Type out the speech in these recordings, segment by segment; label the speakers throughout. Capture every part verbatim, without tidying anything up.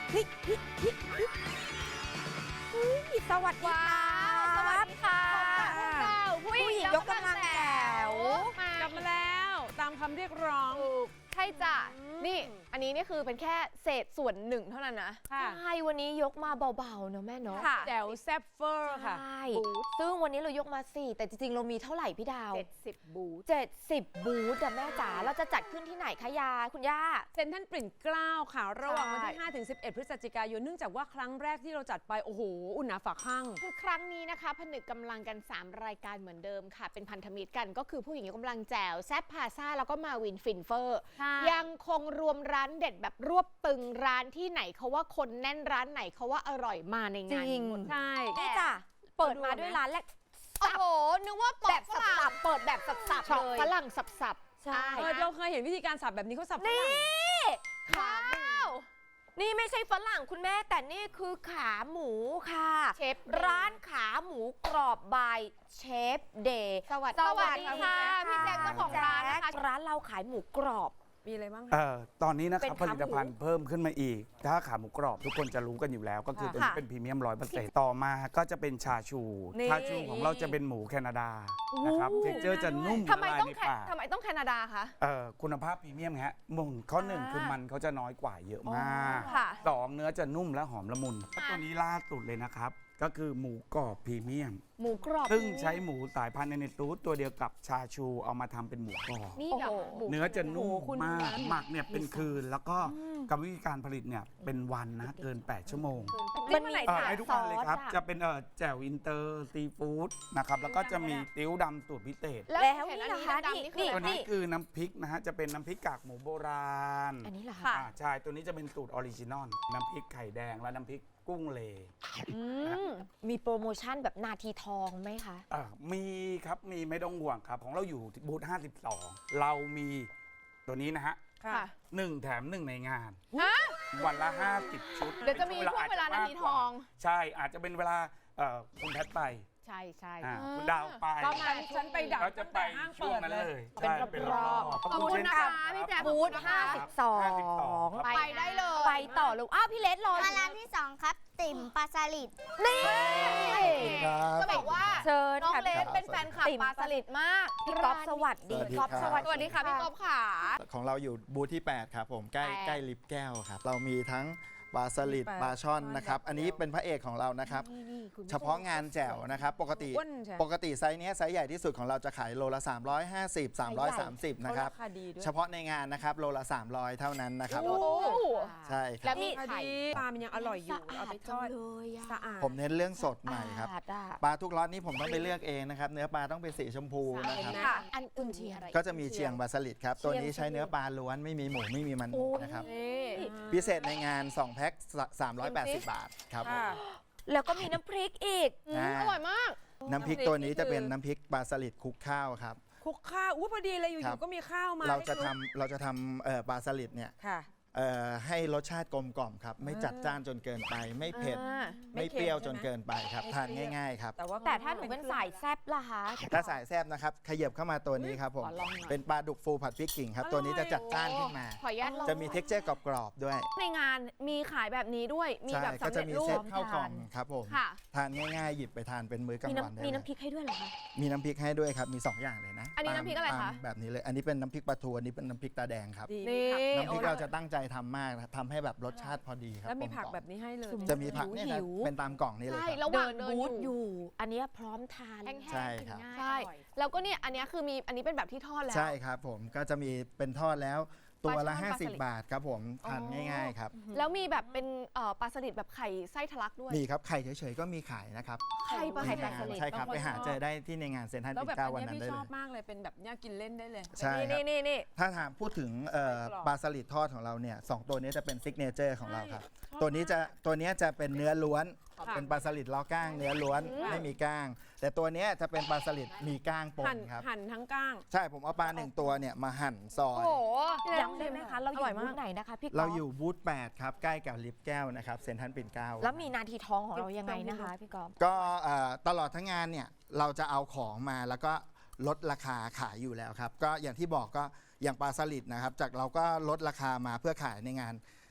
Speaker 1: เฮ้ยเฮ้ยเฮ้ยเฮ้ยเฮ้ยสวัสดีค่ะสวัสดีค่ะ
Speaker 2: ผู้หญิงยกกำลังแจ๋วกลับมาแล้วตามคำเรียกร้อง
Speaker 3: ใช่จ้ะนี่อันนี้นี่คือเป็นแค่เศษส่วนหนึ่งเท่านั้นนะใช่วันนี้ยกมาเบาๆเนอะแม่เนาะ
Speaker 2: แจ๋วแซ่บเฟอร์ค่ะ
Speaker 3: ใช่ซึ่งวันนี้เรายกมาสี่แต่จริงๆเรามีเท่าไหร่พี่ดาว
Speaker 2: เจ็ดสิบบูธ
Speaker 3: เจ็ดสิบบูธอะแม่จ๋าเราจะจัดขึ้นที่ไหนคะยาคุณย่า
Speaker 2: เซ็นทรัลปิ่นเกล้าค่ะระหว่างวันที่ห้าถึงสิบเอ็ดพฤศจิกายนเนื่องจากว่าครั้งแรกที่เราจัดไปโอ้โหอุ่นหนาฝาข้าง
Speaker 3: คือครั้งนี้นะคะผนึกกำลังกันสามรายการเหมือนเดิมค่ะเป็นพันธมิตรกันก็คือผู้หญิงยกกำลังแจ๋วแซ่บพาซ่าแล้วก็มาวินฟินเฟอร์ยังคงรวมร้านเด็ดแบบรวบตึงร้านที่ไหนเขาว่าคนแน่นร้านไหนเขาว่าอร่อยมาในงานนี้หมด
Speaker 2: ใช่
Speaker 3: นี่จ้ะเปิดมาด้วยร้านแรกโอ้โหนึกว่าแบบสับๆเปิดแบบสับๆเลยฝรั่งสับๆใช่
Speaker 2: เราเคยเห็นวิธีการสับแบบนี้เขาสับฝรั่ง
Speaker 3: นี่ขาหมูนี่ไม่ใช่ฝรั่งคุณแม่แต่นี่คือขาหมูค่ะเชฟร้านขาหมูกรอบบายเชฟเดย์สวัสดีค่ะพี่แจ๊คเจ้าของร้านนะคะร้านเราขายหมูกรอบ
Speaker 2: มีอะไรบ้าง
Speaker 4: เอ่อตอนนี้นะครับผลิตภัณฑ์เพิ่มขึ้นมาอีกถ้าขาหมูกรอบทุกคนจะรู้กันอยู่แล้วก็คือตัวนี้เป็นพรีเมียมร้อยเปอร์เซ็นต์ต่อมาก็จะเป็นชาชูชาชูของเราจะเป็นหมูแคนาดานะครับเท็กเจอร์จะนุ่ม
Speaker 3: ทำไมต้องทำไมต้องแคนาดาคะ
Speaker 4: เอ่อคุณภาพพรีเมียมฮะมุนข้อหนึ่งคือมันเขาจะน้อยกว่าเยอะมากสองเนื้อจะนุ่มและหอมละมุนตัวนี้ล่าสุดเลยนะครับก็คือหมูกรอบพรีเมียม
Speaker 3: หมูกรอบ
Speaker 4: ซึ่งใช้หมูสายพันธุ์ในตูดตัวเดียวกับชาชูเอามาทำเป็นหมูกรอบ
Speaker 3: นี่เหรอ
Speaker 4: เนื้อจะนุ่มมากหมักเนี่ยเป็นคืนแล้วก็กรรมวิธีการผลิตเนี่ยเป็นวันนะเกินแปดชั่วโมง
Speaker 3: มันมี
Speaker 4: ให้ทุกวันเลยครับจะเป็นแจ่วอินเตอร์ซีฟู้ดนะครับแล้วก็จะมีติ้วดำสูตรพิเศษ
Speaker 3: แล้วนี่นะคะนี่
Speaker 4: ตัวนี้คือน้ำพริกนะฮะจะเป็นน้ำพริกกากหมูโบราณ
Speaker 3: อันนี้เหรอคะ
Speaker 4: ใช่ตัวนี้จะเป็นสูตรออริจินอลน้ำพริกไข่แดงและน้ำพริกกุ้งเล
Speaker 3: มีโปรโมชั่นแบบนาทีทองไหมคะ
Speaker 4: มีครับมีไม่ต้องห่วงครับของเราอยู่บูธห้าสิบสองเรามีตัวนี้นะฮะหนึ่งแถมหนึ่งในงานวันละห้าสิบชุด
Speaker 3: เดี๋ยวจะมีช่วงเวลานาทีทอง
Speaker 4: ใช่อาจจะเป็นเวลาคุณแพทไป
Speaker 3: ใช่ใช่
Speaker 4: คุณดาวไป
Speaker 2: ก็มาฉันไปดัก
Speaker 4: จะไปช่วงนั้นเลย
Speaker 3: เป็นรอบขอบคุณนะคะพี่แจ๊คบูธห้าสิบสองไปได้เลยไปต่อเลยอ้าวพี่เลสรอ
Speaker 5: มาร้านที่สองครับติ่มปลาสลิด
Speaker 3: นี่ก็บอกว่าเชิญน้องเลสเป็นแฟนคลับปลาสลิดมากพี่ก๊อฟสวัสดีก๊อฟสวัสดีค่ะพี่ก๊อฟค่ะ
Speaker 6: ของเราอยู่บูธที่แปดครับผมใกล้ใกล้ลิฟต์แก้วครับเรามีทั้งปลาสลิดปลาช่อนนะครับอันนี้เป็นพระเอกของเรานะครับเฉพาะงานแจ่วนะครับปกติปกติไซส์นี้ไซส์ใหญ่ที่สุดของเราจะขายโลละสามร้อยห้าสิบ สามร้อยสามสิบนะครับเฉพาะในงานนะครับโลละสามร้อยเท่านั้นนะครับใช่ครับ
Speaker 2: แล้วมีไข่ปลามันยังอร่อยอยู่เอาไปทอด
Speaker 3: สะอาด
Speaker 6: ผมเน้นเรื่องสดใหม่ครับปลาทุกร้านนี้ผมต้องไปเลือกเองนะครับเนื้อปลาต้องเป็นสีชมพูนะครับ
Speaker 3: อันอื่นที่อะไร
Speaker 6: ก็จะมีเชียงปลาสลิดครับตัวนี้ใช้เนื้อปลาล้วนไม่มีหมูไม่มีมันนะครับพิเศษในงานสองแพ็คสามร้อยแปดสิบบาทครับ
Speaker 3: แล้วก็มีน้ำพริกอีกอร่อยมาก
Speaker 6: น้ำพริกตัวนี้จะเป็นน้ำพริกปลาสลิดคลุกข้าวครับ
Speaker 2: คลุกข้าวอุ้ยพอดีเลยอยู่ๆก็มีข้าวมา
Speaker 6: เราจะทำเราจะทำปลาสลิดเนี่ยให้รสชาติกลมกล่อมครับไม่จัดจ้านจนเกินไปไม่เผ็ดไม่เปรี้ยวจนเกินไปครับทานง่ายๆครับ
Speaker 3: แต่ถ้าหนูเป็นสายแซ่บล่ะคะ
Speaker 6: ถ้าสายแซ่บนะครับขยับเข้ามาตัวนี้ครับผมเป็นปลาดุกฟูผัดพริกกิ่งครับตัวนี้จะจัดจ้านขึ้นมาจะมีเท็กเจอร์กรอบๆด้วย
Speaker 3: ในงานมีขายแบบนี้ด้วยมีแบบสำเร็จรูป
Speaker 6: ข้าวกล่องครับผมทานง่ายๆหยิบไปทานเป็นมื้อกลางวันได้
Speaker 3: มีน้ำพริกให้ด้วยเหรอคะ
Speaker 6: มีน้ำพริกให้ด้วยครับมีสองอย่างเลยนะ
Speaker 3: อันนี้น้ำพริกอะไรคะ
Speaker 6: แบบนี้เลยอันนี้เป็นน้ำพริกปลาทูอันนี้เป็นน้ำพริกตาแดงครับน้ำพริกเราจะตั้งใจทำมากทำให้แบบรสชาติพอดีครับ
Speaker 2: แล้วมีผักแบบนี้ให้เลย
Speaker 6: จะมีผักเนี่ยนะเป็นตามกล่องนี่เลย
Speaker 3: ครับระหว่างเดินบูธอยู่อันนี้พร้อมทาน
Speaker 6: ใช่ครับ
Speaker 3: ใช่แล้วก็เนี่ยอันนี้คือมีอันนี้เป็นแบบที่ทอดแล้ว
Speaker 6: ใช่ครับผมก็จะมีเป็นทอดแล้วตัวละห้าสิบบาทครับผมทานง่ายๆครับ
Speaker 3: แล้วมีแบบเป็นปลาสลิดแบบไข่ไส้ทะลักด้วย
Speaker 6: มีครับไข่เฉยๆก็มีขายนะครับ
Speaker 3: ไข่ปลาไข่ปลาสลิด
Speaker 6: ใช่ครับไปหาเจอได้ที่ในงานเซ็นทรัลปิ่นเกล้าวันนั้นได้เลย
Speaker 2: ชอบมากเลยเป็นแบบน่ากินเล่นได้เลย
Speaker 6: ใช่
Speaker 3: นี่นี่นี่
Speaker 6: ถ้าถามพูดถึงปลาสลิดทอดของเราเนี่ยสองตัวนี้จะเป็นซิกเนเจอร์ของเราครับตัวนี้จะตัวนี้จะเป็นเนื้อล้วนเป็นปลาสลิดล้อก้างเนื้อล้วนไม่มีก้างแต่ตัวนี้จะเป็นปลาสลิดมีก้างปนครับ
Speaker 2: หั่นทั้งก้าง
Speaker 6: ใช่ผมเอาปลาหนึ่งตัวเนี่ยมาหั่นซอย
Speaker 3: โอ้ย้ำได้ไหมคะเราอยู่บูธไหนนะคะพี่
Speaker 6: เราอยู่บูธแปดครับใกล้กับลิฟต์แก้วนะครับเซ็นทรัลปิ่นเกล้า
Speaker 3: แล้วมีนาทีทองของเรายังไงนะคะพี่ก๊อฟ
Speaker 6: ก็ตลอดทั้งงานเนี่ยเราจะเอาของมาแล้วก็ลดราคาขายอยู่แล้วครับก็อย่างที่บอกก็อย่างปลาสลิดนะครับจากเราก็ลดราคามาเพื่อขายในงาน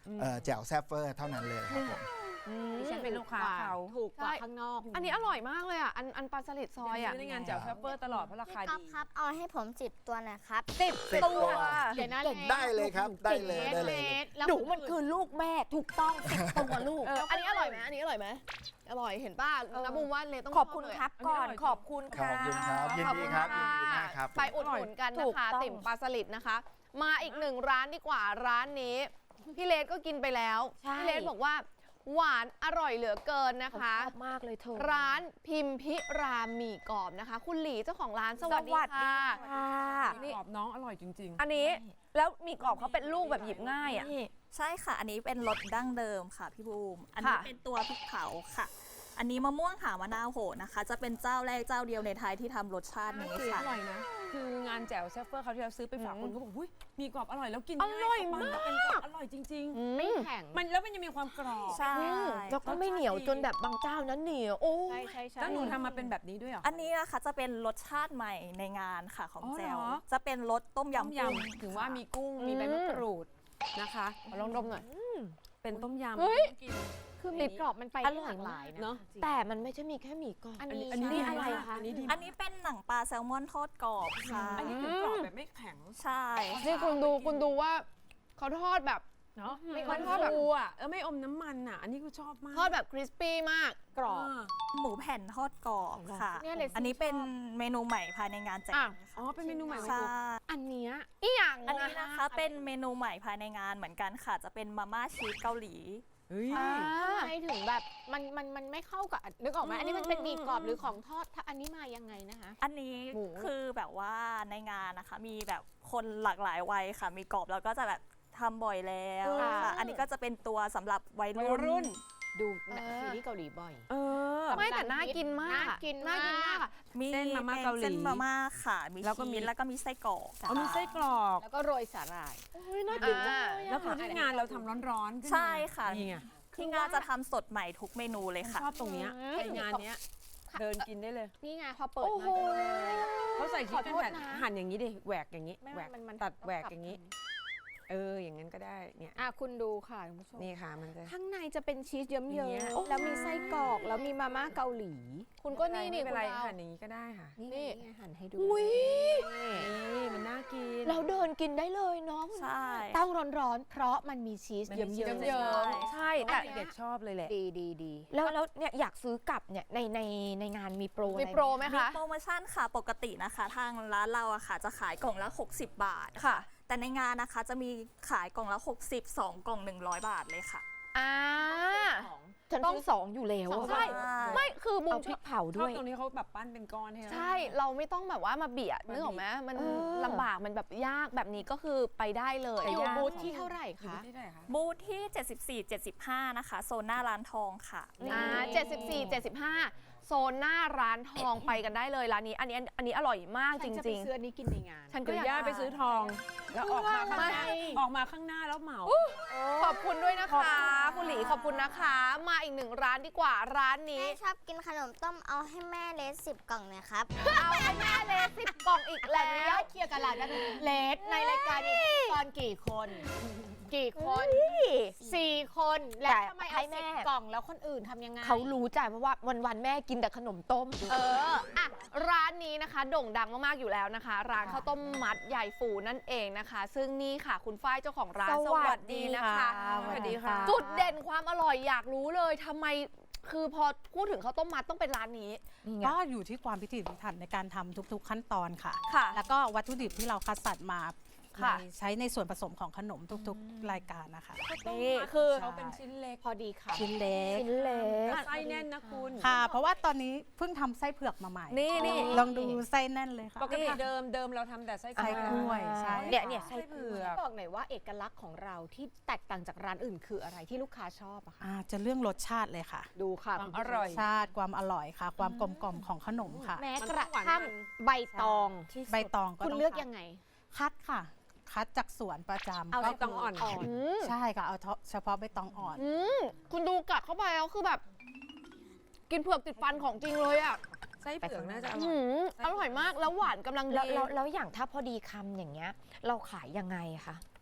Speaker 6: เอ่อแจ่วแซฟเฟอร์เท่านั้นเลยครับผม
Speaker 2: ดิฉันเป็นลูกค้าเขา
Speaker 3: ถูกกว่า
Speaker 7: ใช่
Speaker 3: ข้างนอก
Speaker 7: อันนี้อร่อยมากเลยอ่ะ อันอันปลาสลิดซอยอ่ะ
Speaker 2: ซื้อในงานแจ่วแฟบเฟอร์ตลอดเพราะราคา
Speaker 5: พี่ก๊อ
Speaker 2: ดี
Speaker 5: ฟครับ เอาให้ผมจิบตัวหน่อยครับ
Speaker 2: สิบ
Speaker 6: สิบ
Speaker 2: ตัว
Speaker 6: ตัว
Speaker 3: เดี๋ยวนะ
Speaker 7: เก่ง
Speaker 6: ได้เลยครับได้เลย
Speaker 3: เล็ก
Speaker 6: ได้เลย
Speaker 3: เล็กแล้ว
Speaker 1: หนูมันคือลูกแม่ถูกต้องสิบตัวลูก
Speaker 7: เอออันนี้อร่อยไหมอันนี้อร่อยไหมอร่อยเห็นป่ะน้ำบูมว่าเลยต้อง
Speaker 1: ขอบคุณ
Speaker 7: ชเลย
Speaker 1: ครับก่อนขอบคุณ
Speaker 6: ขอบคุณครับยินดีครับยินดีมากครับ
Speaker 7: ไปอุดหนุนกัน
Speaker 1: ถู
Speaker 7: นะ
Speaker 1: ก
Speaker 7: คะ
Speaker 1: ต้อง
Speaker 7: ติ่มปลาสลิดนะคะ มาอีกหนึ่งร้านดีกว่าร้านนี้ พี่เลสก็กินไปแล้ว
Speaker 1: ใช่
Speaker 7: พี่เลสบอกว่าหวานอร่อยเหลือเกินนะ
Speaker 1: ผม
Speaker 7: คะ
Speaker 1: ชอบมากเลยเธอ
Speaker 7: ร้านพิมพิราหมี่กรอบนะคะ คุณหลีเจ้าของร้านส
Speaker 1: ส
Speaker 7: วั
Speaker 1: วั
Speaker 7: ส
Speaker 1: ส
Speaker 7: ดี
Speaker 1: ดี
Speaker 7: ค่ะ
Speaker 1: ค่ะ
Speaker 2: นี่กรอบน้องอร่อยจริง
Speaker 1: อันนี้แล้วหมีกรอบเขาเป็นลูกแบบหยิบง่ายอ่ะ
Speaker 8: ใช่ค่ะ อันนี้เป็นรสดั้งเดิมค่ะพี่บูม อันนี้
Speaker 1: ค่ะ
Speaker 8: เป็นตัวพริกเผาค่ะ อันนี้มะม่วงหามะนาวโหนะคะ จะเป็นเจ้าแรกเจ้าเดียวในไทยที่ทำรสชาตินี้
Speaker 2: ๆ
Speaker 8: ค่ะ
Speaker 2: อร่อยนะ คืองานแจ่วแซฟเฟอร์เขาที่เราซื้อไปฝากคนเขาบอกหุ้ยมีกรอบอร่อยแล้วกิน
Speaker 7: อร่อย
Speaker 2: ง่
Speaker 7: มาก
Speaker 2: นเป็นกรอบอร่อยจริง
Speaker 3: ไม่แข็ง
Speaker 2: ๆ มันแล้วมันยังมีความกรอบ
Speaker 8: ใช่
Speaker 7: แล้วก็ไม่เหนียวจนแบบบางเจ้านั้นเหนียวโอ้
Speaker 3: ใช่ใช่ใช่
Speaker 2: แล้วหนูทำมาเป็นแบบนี้ด้วยเหรอ
Speaker 8: อันนี้นะคะจะเป็นรสชาติใหม่ในงานค่ะของ
Speaker 2: อ๋อ
Speaker 8: แจว
Speaker 2: เหรอ
Speaker 8: จะเป็นรสต้ม
Speaker 2: ต้ม
Speaker 8: ยำ
Speaker 2: ย
Speaker 8: กุ้ง
Speaker 2: ำถึงว่า
Speaker 8: ค่ะ
Speaker 2: มีกุ้งมีใบมะกรูดนะคะ
Speaker 7: ลองดมหน่อย
Speaker 2: เป็นต้มยำ
Speaker 7: เฮ้ย
Speaker 2: กิน
Speaker 3: คือหมีกรอบมันไป
Speaker 7: อ
Speaker 3: ได้
Speaker 7: ร่อย
Speaker 3: หลากหลาย
Speaker 2: เนอะ
Speaker 3: จริง
Speaker 7: แต่มันไม่ใช่มีแค่หมี่กรอบ
Speaker 3: อัน
Speaker 2: อัน
Speaker 3: นี้
Speaker 2: นี้อันนี้
Speaker 3: ใช่
Speaker 2: ดี
Speaker 3: อะไร
Speaker 2: มาก
Speaker 3: คะ
Speaker 2: อันนี้ดี
Speaker 8: อันนี้เป็นหนังปลาแซลมอนทอดกรอบค่ะ
Speaker 2: อันนี้คือกรอบแบบไม่แข็ง
Speaker 8: ใช่
Speaker 7: นี่คุณดูคุณดูว่าเขาทอดแบบ
Speaker 2: เนาะ
Speaker 7: ไม่
Speaker 2: มัน
Speaker 7: ทอดแบบ
Speaker 2: ฟูอ่ะเออไม่อมน้ำมันอ่ะ อันนี้กูชอบมาก
Speaker 7: ทอดแบบคริสปี้มาก
Speaker 3: กรอบ
Speaker 2: เออ
Speaker 8: หมูแผ่นทอดกรอบค่ะ
Speaker 3: เนี่ยเลย
Speaker 8: อันนี้เป็นเมนูใหม่ภายในงานแจว
Speaker 7: อ่ะ
Speaker 2: อ๋อเป็นเมนูใหม่ของ
Speaker 8: ใช่
Speaker 2: กู
Speaker 3: อันเนี้ย
Speaker 7: อีหยัง
Speaker 8: อันนี้นะคะเป็นเมนูใหม่ภายในงานเหมือนกันค่ะ จะเป็นมาม่าชีสเกาหลี
Speaker 2: เฮ้ย
Speaker 7: อ่า
Speaker 3: ทำไมถึงแบบมันมันมันไม่เข้ากับนึกออกไหมอันนี้มันเป็นหมีกรอบหรือของทอดถ้าอันนี้มายังไงนะคะ
Speaker 8: อันนี้
Speaker 3: หมู
Speaker 8: คือแบบว่าในงานนะคะ มีแบบคนหลากหลายวัยค่ะ มีกรอบแล้วก็จะแบบทำบ่อยแล้วค่ะ อันนี้ก็จะเป็นตัวสำหรับวัย
Speaker 2: วัย
Speaker 8: รุ่น
Speaker 2: รุ่น
Speaker 3: ดูหนังซีรีส์เกาหลีบ่อย
Speaker 2: เออ
Speaker 7: ไม่แต่น่ากินมาก
Speaker 3: น่ากิน
Speaker 7: น่ากินมากอะ
Speaker 8: มี
Speaker 2: เส้นมาม่า
Speaker 8: ป็
Speaker 2: เกาหลี
Speaker 8: เส้นมาม่าค่ะ มี
Speaker 2: แล้วก็มี
Speaker 8: ชีสแล้วก็มีไส้กรอก
Speaker 2: เอามีไส้กรอก
Speaker 3: แล้วก็โรยสาหร่าย
Speaker 7: น่ากินจังเลย
Speaker 2: แล้วคือที่งานเราทำร้อนๆขึ้นมา
Speaker 8: ใช่ค่ะ
Speaker 2: นี่ไง
Speaker 8: ที่งานจะทำสดใหม่ทุกเมนูเลยค่ะ
Speaker 2: ชอบตรงเนี้ยไปงานเนี้ยเดินกินได้เลย
Speaker 3: นี่ไงพอเปิด
Speaker 7: โอ้
Speaker 3: มา
Speaker 7: โห
Speaker 2: เขาใส่ชีสเป็น
Speaker 3: ขอโทษ
Speaker 2: แผ่น
Speaker 3: นะ
Speaker 2: หั่นอย่างนี้ดิแหวกอย่างนี้
Speaker 3: ไม่
Speaker 2: แหวก
Speaker 3: มันมัน
Speaker 2: ตัด
Speaker 3: ต้อง
Speaker 2: แหวก
Speaker 3: ปรับ
Speaker 2: อย่างนี้ เอออย่างนั้นก็ได้เนี่ย
Speaker 3: อ่ะคุณดูค่ะคุณผู้ชม
Speaker 2: นี่ค่ะมันจะ
Speaker 3: ข้างในจะเป็นชีสเยิ้ม
Speaker 2: อย่างเงี้ย
Speaker 3: ๆแล้วมีไส้กรอกแล้วมีมาม่าเกาหลี
Speaker 7: คุณก็นี่นี่
Speaker 2: ไม่
Speaker 7: คุ
Speaker 2: เป็น
Speaker 7: ณ
Speaker 2: ไร
Speaker 7: ดาว
Speaker 2: หั่นอย่างนี้ก็ได้ค่ะ
Speaker 3: นี่
Speaker 7: นี่
Speaker 3: ไงหั่นให้ดู
Speaker 7: อุ้ย
Speaker 2: นี่มันน่ากิน
Speaker 7: เราเดินกินได้เลยเนาะ
Speaker 8: ใช่
Speaker 3: ต้องร้อนๆ เพราะมันมีชีส
Speaker 2: มัน
Speaker 3: เยิ้
Speaker 2: มีชีส
Speaker 3: ม
Speaker 2: เยิ้ม
Speaker 3: ๆ
Speaker 1: ใช่
Speaker 2: แต่
Speaker 1: แต่
Speaker 2: เด็กชอบเลยแหละ
Speaker 3: ดีดีดี
Speaker 1: แล้วแล้วเนี่ยอยากซื้อกลับเนี่ยในในในงานมีโปรอะไร
Speaker 7: มีโปรไหม
Speaker 8: มี
Speaker 7: คะ
Speaker 8: โปรโมชั่นค่ะปกตินะคะ ทางร้านเราอะค่ะ จะขายกล่องละ หกสิบบาท
Speaker 1: ค่ะ
Speaker 8: แต่ในงานนะคะจะมีขายกล่องละ หกสิบ สองกล่อง หนึ่งร้อยบาทเลยค่ะ
Speaker 7: อ่า
Speaker 1: ฉันซื้อสองอยู่แล้ว
Speaker 7: ใช่ ไม่คือบุ
Speaker 1: เอา
Speaker 7: ม
Speaker 1: พริกเผา
Speaker 2: ช
Speaker 1: ด้
Speaker 2: อบ
Speaker 1: วย
Speaker 2: ตรงนี้เขาแบบปั้นเป็นก้อนให้เรา
Speaker 7: ใช่เราไม่ต้องแบบว่ามาเบียดนึกออกไหมมัน
Speaker 1: เออ
Speaker 7: ลำบากมันแบบยากแบบนี้ก็คือไปได้เลย
Speaker 3: อยู่
Speaker 2: ย่าง
Speaker 3: บูธที่เท่าไหร่
Speaker 2: อยู่
Speaker 3: คะ
Speaker 2: ที่ไหนคะ
Speaker 8: บูธที่ เจ็ดสิบสี่ เจ็ดสิบห้า นะคะ โซนหน้าร้านทองค่ะ
Speaker 7: อ่าเจ็ดสิบสี่ เจ็ดสิบห้าโซนหน้าร้านทองไปกันได้เลยร้านนี้ อันนี้อันนี้อร่อยมากจ
Speaker 3: ฉันจะไป
Speaker 7: ริง
Speaker 3: ซื้ออันนี้กินในงาน
Speaker 7: ๆ ฉันก็
Speaker 2: เดี๋ย
Speaker 7: อ
Speaker 2: วย
Speaker 7: าก
Speaker 2: ย่าไปซื้อทอง แล้วออกมาข้างหน้า
Speaker 3: ไม่
Speaker 2: ออกมาข้างหน้าแล้วเหมา
Speaker 7: ขอบคุณด้วยนะคะ คุณหลีขอบคุณนะคะ มาอีกหนึ่งร้านดีกว่าร้านนี้
Speaker 5: แม่ชอบกินขนมต้มเอาให้แม่เลสสิบกล่องหนะครับ
Speaker 7: เอาให้แม่เลยสิบกล่องอีก
Speaker 3: แล้
Speaker 7: แล้ว ว
Speaker 3: เคลียร์กันหลายกันเลสในรายการนี้ตอนกี่คน กี่คนสี่คนแล้ว
Speaker 1: แต่
Speaker 3: ทำไม
Speaker 1: ให้
Speaker 3: เอา
Speaker 1: แม่
Speaker 3: สิบกล่องแล้วคนอื่นทำยังไง
Speaker 1: เขารู้ใจเพราะว่าวันวันๆแม่กินแต่ขนมต้ม
Speaker 7: เอออ่ะร้านนี้นะคะโด่งดังมากๆอยู่แล้วนะคะ ร้านข้าวต้มมัดใหญ่ฟูนั่นเองนะคะ ซึ่งนี่ค่ะคุณฝ้ายเจ้าของร้าน
Speaker 1: สวัสดีค่ะ
Speaker 2: สวัสดีค่ะ
Speaker 7: จุดเด่นความอร่อยอยากรู้เลยทำไมคือพอพูดถึงข้าวต้มมัดต้องเป็นร้านนี้
Speaker 1: นี่ไง
Speaker 9: ก็อยู่ที่ความพิถีพิถันในการทำทุกๆขั้นตอนค่ะ
Speaker 7: ค่ะ
Speaker 9: แล้วก็วัตถุดิบที่เราคัดสรรมา
Speaker 7: ค่ะ
Speaker 9: ในใช้ในส่วนผสมของขนมทุกๆรายการนะคะ
Speaker 7: นี่คือ
Speaker 2: เขาเป็นชิ้นเล็ก
Speaker 3: พอดีค่ะ
Speaker 9: ชิ้นเล็ก
Speaker 1: ชิ้นเล็ก
Speaker 2: ไส้แน่นนะคุณ
Speaker 9: ค่ะ เพราะว่าตอนนี้เพิ่งทำไส้เผือกมาใหม่
Speaker 7: นี่นี่
Speaker 9: ลองดูไส้แน่นเลยค่ะ
Speaker 2: ปกติเดิมเดิมเราทำแต่ไส้
Speaker 9: ไส้กล้วยใช่
Speaker 1: เนี่ยเนี่ย
Speaker 2: ไส้เผือก
Speaker 3: บอกหน่อยว่าเอกลักษณ์ของเราที่แตกต่างจากร้านอื่นคืออะไรที่ลูกค้าชอบอะคะ
Speaker 9: อ่าจะเรื่องรสชาติเลยค่ะ
Speaker 3: ดูค่ะ
Speaker 2: ความอร่อย
Speaker 9: ชาติความอร่อยค่ะ ความกลมกล่อมของขนมค่ะ
Speaker 3: แม้
Speaker 2: มัน
Speaker 3: ก
Speaker 2: ต้
Speaker 3: ระ
Speaker 2: องหวาน
Speaker 3: ทั่ง
Speaker 2: มัน
Speaker 3: ใบตอง
Speaker 9: ใบตองก็
Speaker 3: คุณ
Speaker 9: ต้อง
Speaker 3: เลือก
Speaker 9: คัด
Speaker 3: ยังไง
Speaker 9: คัดค่ะ คัดจากสวนประจำ
Speaker 2: เอา
Speaker 9: ก็
Speaker 2: ใบตองอ่อน
Speaker 7: อืม
Speaker 9: ใช่ค่ะเอาเฉพาะใบตองอ่อน
Speaker 7: อืมคุณดูกัดเข้าไปแล้วคือแบบ กินเผือกติดฟันของจริงเลยอ่ะ
Speaker 2: ไส้เผือกน่าจะอร่
Speaker 7: อื
Speaker 2: อย
Speaker 7: มอร่อยมากแล้วหวานกำลังดี
Speaker 1: แล้วแล้วแล้วอย่างถ้าพอดีคำอย่างเงี้ย เราขายยังไงอะคะ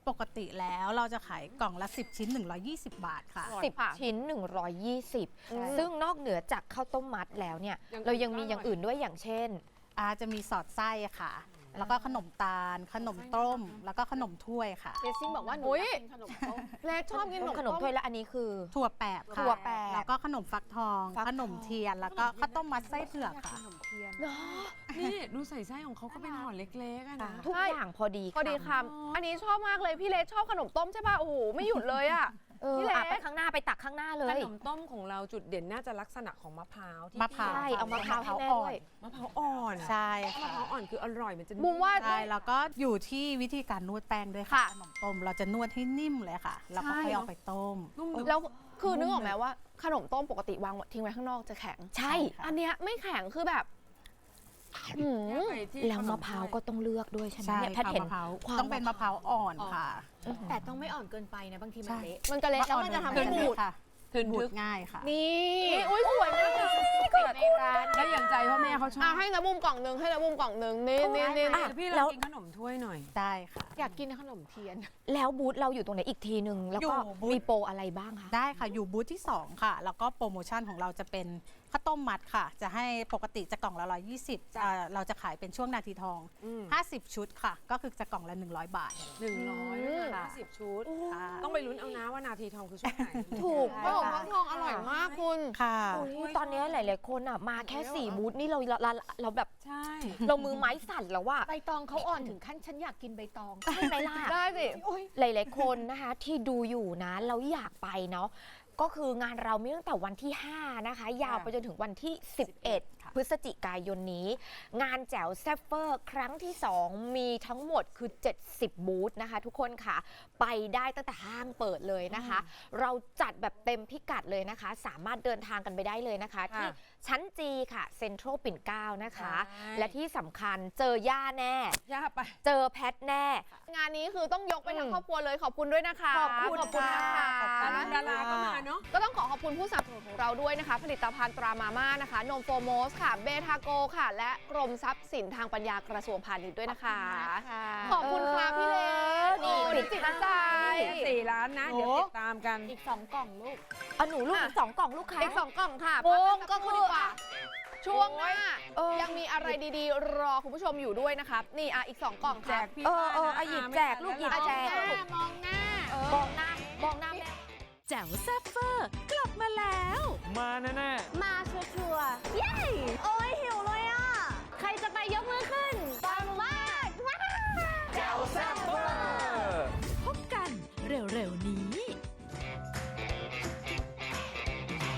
Speaker 9: ปกติแล้วเราจะขายกล่องละ สิบ ชิ้น หนึ่งร้อยยี่สิบ บาทค่ะ
Speaker 1: สิบชิ้น หนึ่งร้อยยี่สิบ ซึ่งนอกเหนือจากข้าวต้มมัดแล้วเนี่ย
Speaker 2: อย่างอื่น
Speaker 1: เรายังมี
Speaker 2: ก็อร่อย
Speaker 1: อย่างอื่นด้วยอย่างเช่น
Speaker 9: อาจะมีสอดไส้ค่ะ แล้วก็ขนมตาล ขนมต้ม แล้วก็ขนมถ้วยค่ะ
Speaker 3: เจสซิ่งบอกว่าหนู
Speaker 7: อุ๊ย
Speaker 3: อยากกินขนมต้ม
Speaker 7: เลสชอบกินขนม
Speaker 1: ขนม
Speaker 7: ต้ม
Speaker 1: ถ้วยและอันนี้คือ
Speaker 9: ถั่วแปบค่ะ
Speaker 1: ถั่วแปบ
Speaker 9: แล้วก็ขนมฟักทอง
Speaker 1: ฟักทอง
Speaker 9: ขนมเทียน แล้วก็ข้าวต้มมัดไส้เผือกค่ะ
Speaker 2: นี่ดูใส่ไส้ของเขาก็เป็นห่อเล็กๆอะนะ
Speaker 1: ทุกอย่างพอดี
Speaker 7: พอดีคำอันนี้ชอบมากเลยพี่เลสชอบขนมต้มใช่ป่ะโอ้โหไม่หยุดเลยอ่ะ
Speaker 1: เออ
Speaker 7: พี่เล็ก
Speaker 1: อ่ะไปข้างหน้าไปตักข้างหน้าเล
Speaker 2: ข
Speaker 1: ย
Speaker 2: นมต้มของเราจุดเด่นน่าจะลักษณะของมะพร้าวที่
Speaker 9: มะพร้าว
Speaker 1: ใช่เอามะพร้าวให้แม่ด้วย
Speaker 2: มะพร้าวอ่อน
Speaker 9: ใช่
Speaker 2: มะ
Speaker 9: ค่ะ
Speaker 2: พร้าวอ่อนคืออร่อยมันจะ
Speaker 7: บุมว่า
Speaker 9: ใช่ แล้วก็อยู่ที่วิธีการนวดแป้งด้วยค่ะ
Speaker 7: ค่ะ
Speaker 9: ขนมต้มเราจะนวดให้นิ่มเลยค่ะ แล้วก็ค่อยเอาไปต้ม
Speaker 2: นุ่ม
Speaker 7: แล้วคือนึกออกไหมว่าขนมต้มปกติวางทิ้งไว้ข้างนอกจะแข็ง
Speaker 1: ใช่
Speaker 7: อันเนี้ยไม่แข็งคือแบบหืม
Speaker 1: แล้วมะพร้าวก็ต้องเลือกด้วยใช่ไหม
Speaker 9: ใช่
Speaker 1: เนี่ยแพท
Speaker 9: ค่ะ
Speaker 1: ย์เห็น
Speaker 9: มะพร้าว
Speaker 1: ความ
Speaker 9: ต้องเป็นมะพร้าวอ่อนค่ะ
Speaker 3: แต่ต้องไม่อ่อนเกินไปนะ บางทีมัน
Speaker 9: ใช่
Speaker 3: เละ
Speaker 7: มันก็เละแล้วมันจะทำให้
Speaker 9: เป็น
Speaker 7: บูด
Speaker 9: ค่ะ
Speaker 2: ถึง
Speaker 9: บู
Speaker 2: ทึ
Speaker 9: ด
Speaker 2: ก
Speaker 9: ง่ายค่ะ
Speaker 3: นี่
Speaker 7: อุ้ยสวยมากเลย
Speaker 3: ในร้าน
Speaker 2: แล้วอย่างใจพ่อแม่เขาชอ
Speaker 7: อ่ะ
Speaker 2: บ
Speaker 7: ให้นะบุมกล่องหนึงให้นะบุมกล่องหนึงนี่นี่นี่
Speaker 1: อ่ะ
Speaker 2: พี่
Speaker 1: แล้
Speaker 2: เรา
Speaker 1: ว
Speaker 2: กินขนมถ้วยหน่อย
Speaker 9: ได้ค่ะ
Speaker 3: อยากกินขนมเทียน
Speaker 1: แล้วบูธเราอยู่ตรงไหนอีกทีหนึ่งแล้วก็
Speaker 9: อยู่บูธ
Speaker 1: มีโปรอะไรบ้างคะ
Speaker 9: ได้ค่ะ อยู่บูธที่ สอง ค่ะ แล้วก็โปรโมชั่นของเราจะเป็นข้าวต้มมัดค่ะ จะให้ปกติจะกล่องละหนึ่งร้อยยี่สิบอ่าเราจะขายเป็นช่วงนาทีทอง
Speaker 2: อืม
Speaker 9: ห้าสิบ ชุดค่ะ ก็คือจะกล่องละ หนึ่งร้อย บาท
Speaker 2: หนึ่งร้อย
Speaker 9: อืม
Speaker 2: ห้าสิบชุด
Speaker 9: ค่ะ
Speaker 2: ต้องไปลุ้นเอานะว่านาทีทองคือช่วงไหน
Speaker 1: ถูก
Speaker 7: ขนมฟักทองอร่อยมากคุณ
Speaker 9: ค่ะ
Speaker 1: อุ๊ยตอนนี้หลาย ๆ คนอ่ะมาแค่สี่บูธนี่เราเราเราเราแบบ
Speaker 2: ใช่
Speaker 1: เรามือไม้สั่นแล้วว่า
Speaker 3: ใบตองเขาอ่อนถึงขั้นฉันอยากกินใบตอง
Speaker 1: ใช่ไหมล่ะ
Speaker 7: ได้สิ
Speaker 1: หลาย ๆ คนนะคะที่ดูอยู่นะเราอยากไปเนาะก็คืองานเรามีตั้งแต่วันที่ ห้า นะคะ ยาวไปจนถึงวันที่ สิบเอ็ด พฤศจิกายนนี้ งานแจ๋วแซฟเฟอร์ครั้งที่ สอง มีทั้งหมดคือ เจ็ดสิบ บูธนะคะ ทุกคนค่ะ ไปได้ตั้งแต่ห้างเปิดเลยนะคะ เราจัดแบบเต็มพิกัดเลยนะคะ สามารถเดินทางกันไปได้เลยนะคะ ที่ชั้นจีค่ะเซ็นทรัลปิ่นเกล้านะคะ และที่สำคัญเจอย่าแน่
Speaker 2: ย่าไป
Speaker 1: เจอแพทแน่
Speaker 7: งานนี้คือต้องยกไปทั้งครอบครัวเลยขอบคุณด้วยนะคะ
Speaker 1: ขอบคุณ
Speaker 7: ขอบคุณนะคะ
Speaker 2: ดาราดาราก็มาเนาะ
Speaker 7: ก็ต้องขอขอบคุณผู้สนับสนุนของเราด้วยนะคะ ผลิตภัณฑ์ตรามาม่านะคะ นมโฟโมสค่ะ เบทาโกค่ะ และกรมทรัพย์สินทางปัญญากระทรวงพาณิชย์ด้วยนะคะ ขอบคุณค่ะพี่เล็ก
Speaker 1: นี่
Speaker 7: โอ้
Speaker 1: ปิด
Speaker 7: จิต
Speaker 1: ท้าย
Speaker 7: ใจ
Speaker 2: สี่ล้านนะ เดี๋ยวติดตามกัน
Speaker 3: อีกสองกล่องลูก
Speaker 1: เอาหนูลูกอีกสองกล่องลูกค้า
Speaker 7: อีกสองกล่องค่ะ
Speaker 1: โอ้
Speaker 7: พักกันสั
Speaker 1: ก็
Speaker 7: ครู่
Speaker 1: คือ
Speaker 7: ดีกว่า ช่วงหน้า
Speaker 1: เออ
Speaker 7: ยังมีอะไรดีๆ รอคุณผู้ชมอยู่ด้วยนะคะนี่อ่ะอีกสองกล่อง
Speaker 2: แจ
Speaker 7: ค่ะ
Speaker 2: กพี่
Speaker 1: เออเออ
Speaker 2: นะ
Speaker 1: อ่ะหยิบแจกลูกหยิบ
Speaker 7: มอง
Speaker 1: แจ
Speaker 7: หน้ามองหน้า
Speaker 1: มองหน้ามองหน้าแม่
Speaker 10: แจ๋วแซ่บเฟอร์ กลับมาแล้ว
Speaker 11: มาแน่ๆ
Speaker 5: มาชัวร์ๆเย้โอ้